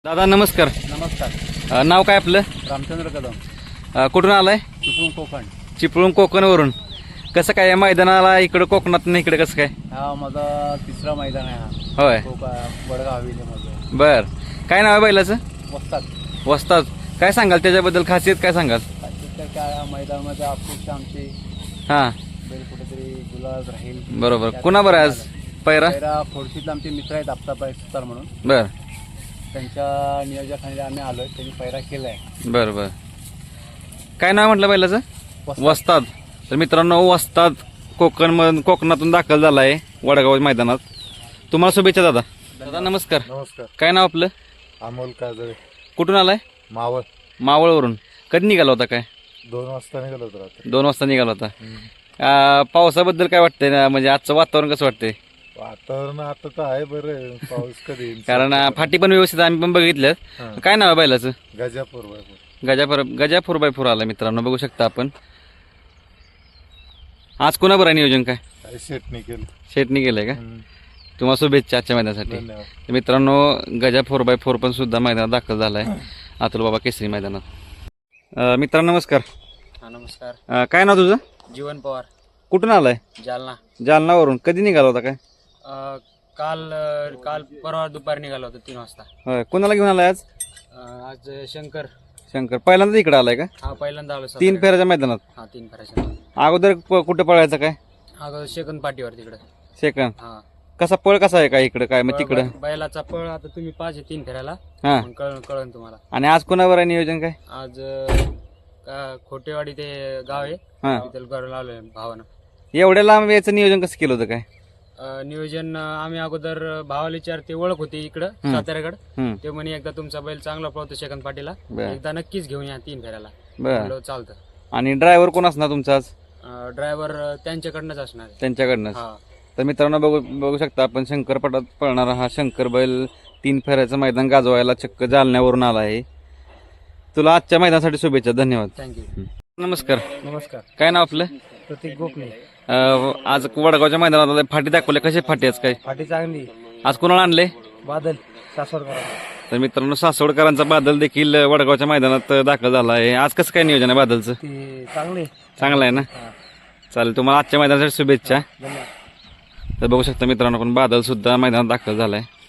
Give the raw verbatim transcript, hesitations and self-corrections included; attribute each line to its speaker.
Speaker 1: दादा नमस्कार.
Speaker 2: नमस्कार.
Speaker 1: अ, नाव काय आपलं?
Speaker 2: रामचंद्र कदम.
Speaker 1: अ, कुठून आलाय?
Speaker 2: चिपळूण कोकण.
Speaker 1: चिपळूण कोकणवरून. कसं काय या मैदानाला इकडं कोकणात नाही इकडे कसं काय?
Speaker 2: हा माझा तिसरा मैदान आहे हा.
Speaker 1: होय
Speaker 2: कोका वडगाव हवेलीमध्ये.
Speaker 1: बर. काय नाव आहे बैलाचं?
Speaker 2: वस्तात.
Speaker 1: वस्ताद. काय सांगाल त्याच्याबद्दल खासियत काय सांगाल?
Speaker 2: तर काय या मैदानामध्ये अपेक्षा आमची
Speaker 1: हां
Speaker 2: बैल कुठेतरी गुलाब राहील.
Speaker 1: बरोबर. कुणा बरं आज पैरा?
Speaker 2: पैरा खोडशीतले आमचे मित्र आहेत आप्ताबाई सुतार म्हणून.
Speaker 1: बर
Speaker 2: त्यांच्या नियोजनाखाली आम्ही आलोय. त्यांनी पैरा केलाय.
Speaker 1: बर बर. काय नाव म्हटलं बैलाचं? वस्ताद. तर मित्रांनो वस्ताद कोकण मधून कोकणातून दाखल झाला आहे वडगाव मैदानात. तुम्हाला शुभेच्छा दादा. दादा नमस्कार.
Speaker 2: नमस्कार.
Speaker 1: काय नाव आपलं?
Speaker 2: अमोल काजळे.
Speaker 1: कुठून आलाय?
Speaker 2: मावळ.
Speaker 1: मावळवरून. कधी निघाला होता काय?
Speaker 2: दोन वाजता निघालो होतो रात्री.
Speaker 1: दोन वाजता निघाला होता. अ, पावसाबद्दल काय वाटतंय ना, म्हणजे आजचं वातावरण कसं वाटतंय?
Speaker 2: वातावरण आता तर आहे बरं. पाऊस कधी येईल?
Speaker 1: कारण अ, फाटी पण व्यवस्थित आम्ही पण बघितलं. काय नाव आहे बैलाचं?
Speaker 2: Gajapur.
Speaker 1: Gajapur. Gaja four by four आला मित्रांनो, बघू शकता आपण. आज कोणा बरं नियोजन काय?
Speaker 2: शेटणी केलं.
Speaker 1: शेटनी केलंय का? तुम्हाला शुभेच्छा आजच्या मैदानासाठी.
Speaker 2: धन्यवाद.
Speaker 1: तर मित्रांनो गजा फोर बाय फोर पण सुद्धा मैदानात दाखल झालाय अतुल बाबा केसरी मैदानात. अ, मित्रांनो नमस्कार.
Speaker 2: हा नमस्कार.
Speaker 1: अ, काय नाव तुझं?
Speaker 2: जीवन पवार.
Speaker 1: कुठून आलाय?
Speaker 2: जालना.
Speaker 1: जालनावरून. कधी निघाला होता काय?
Speaker 2: अ, काल अ, काल परवा दुपारी निघालो होतो तीन वाजता.
Speaker 1: होय. कोणाला घेऊन आलाय आज?
Speaker 2: अ, आज शंकर.
Speaker 1: शंकर. पहिल्यांदा इकडे आलाय का?
Speaker 2: हा पहिल्यांदा आलो.
Speaker 1: तीन फेऱ्याच्या मैदानात.
Speaker 2: हा तीन फेऱ्याच्या.
Speaker 1: अगोदर क- कुठं पळायचं काय?
Speaker 2: अगोदर सेकंद पाठीवर तिकडे.
Speaker 1: सेकंद.
Speaker 2: हा
Speaker 1: कसा पळ कसा आहे काय इकडं काय मग तिकडं?
Speaker 2: बै- बैलाचा पळ आता तुम्ही पाहिजे तीन फेऱ्याला.
Speaker 1: हा.
Speaker 2: मग कळण कळण तुम्हाला.
Speaker 1: आणि आज कोणावर आहे नियोजन काय?
Speaker 2: आज अ, का- खोटेवाडी ते गाव आहे.
Speaker 1: हा.
Speaker 2: तिथे घर आलोय भावानं.
Speaker 1: एवढ्या लांब यायचं नियोजन कसं केलं होतं काय?
Speaker 2: अ, नियोजन अ, आम्ही अगोदर भावाला विचार ते ओळख होती इकडं साताऱ्याकडे.
Speaker 1: हम्म.
Speaker 2: ते म्हणे एकदा तुमचा बैल चांगला पळतो सेकंद पाटीला,
Speaker 1: बर.
Speaker 2: एकदा नक्कीच घेऊन या तीन फेऱ्याला.
Speaker 1: बर.
Speaker 2: म्हणलं चालतं.
Speaker 1: आणि ड्रायव्हर कोण असणार तुमचा आज?
Speaker 2: ड्रायव्हर त्यांच्याकडनंच असणार आहे.
Speaker 1: त्यांच्याकडनं.
Speaker 2: हा
Speaker 1: तर मित्रांनो बघू बघू शकता आपण शंकरपटात पळणारा हा शंकर बैल तीन फेऱ्याचं मैदान गाजवायला चक्क जालन्यावरून आला आहे. तुला आजच्या मैदानासाठी शुभेच्छा. धन्यवाद.
Speaker 2: थँक्यू.
Speaker 1: नमस्कार.
Speaker 2: नमस्कार.
Speaker 1: काय नाव आपलं?
Speaker 2: प्रतीक गोखले.
Speaker 1: अ, आज वडगावच्या मैदानात आलाय. फाटी दाखवले कशी फाटी आज काय?
Speaker 2: फाटी चांगली.
Speaker 1: आज कोणाला आणले?
Speaker 2: बादल सासवडकर.
Speaker 1: तर मित्रांनो सासवडकरांचा बादल देखील वडगावच्या मैदानात दाखल झाला आहे. आज कसं काय नियोजन आहे बादलचं?
Speaker 2: ते चांगले.
Speaker 1: चांगलं आहे ना? चालेल. तुम्हाला आजच्या मैदानासाठी शुभेच्छा.
Speaker 2: धन्यवाद.
Speaker 1: तर बघू शकता मित्रांनो पण बादल सुद्धा मैदानात दाखल झालाय.